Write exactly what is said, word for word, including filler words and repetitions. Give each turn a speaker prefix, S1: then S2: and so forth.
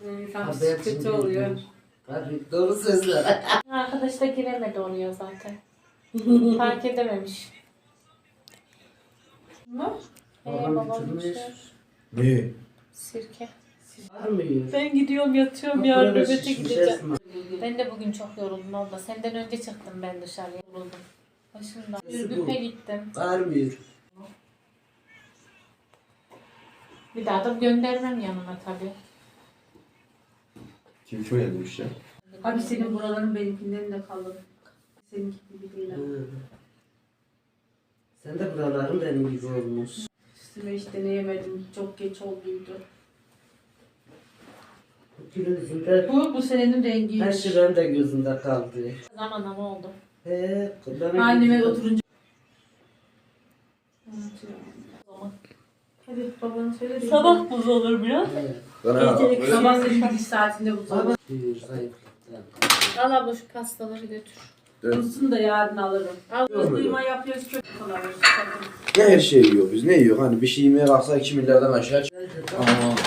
S1: İnsan
S2: Haber
S1: kötü
S2: şimdi-
S1: oluyor.
S2: Tabii doğru sözler.
S3: Arkadaş da giremedi oluyor zaten. Fark edememiş.
S1: Ne?
S3: Ee,
S2: Babam
S3: babam
S2: bitirmiş.
S3: içiyor.
S4: Ne?
S3: Sirke.
S2: Var mı yiyor?
S3: Ben gidiyorum yatıyorum
S2: Bak,
S3: yarın
S2: burada
S3: nöbete
S2: şişmiş
S3: gideceğim.
S2: Esma.
S3: Ben de bugün çok yoruldum abla. Senden önce çıktım ben dışarıya. Yoruldum. Başımda.
S2: Nasıl bu?
S3: Ürgüp'e gittim.
S2: Var mı yiyor?
S3: Bir daha da göndermem yanına tabii.
S4: Kim kime demiş ya?
S1: Abi senin buraların benimkinden de kalın. Seninki gibi değil. ama.
S2: Hı. Sen de buraların benim gibi olmuş.
S1: Üstüme hiç deneyemedim. Çok geç olduydu.
S2: Gülün yüzünde
S1: Bu bu senenin
S2: her
S1: rengiymiş.
S2: şey benim de gözümde kaldı.
S3: Zaman ama oldu.
S2: He, benim
S1: Anneme
S2: gözümde-
S1: oturunca.
S3: O zaman.
S1: Hadi babanı söyle. de-
S3: Sabah buz olur biraz.
S2: He.
S4: Bana
S3: Gecelik
S4: böyle
S1: Sabah senin gidiş saatinde bu
S2: Baba.
S1: sabah.
S2: Diyor, zayıflıktan.
S3: Al abla şu pastaları götür.
S1: Kutusunu da yarın alırım.
S3: Al.
S1: Biz duyma yapıyoruz çok kolay.
S4: ne her şey yiyor biz ne yiyor? Hani bir şey yemeye kalksa iki milyardan aşağı çık.
S2: Ben de-
S4: Aa,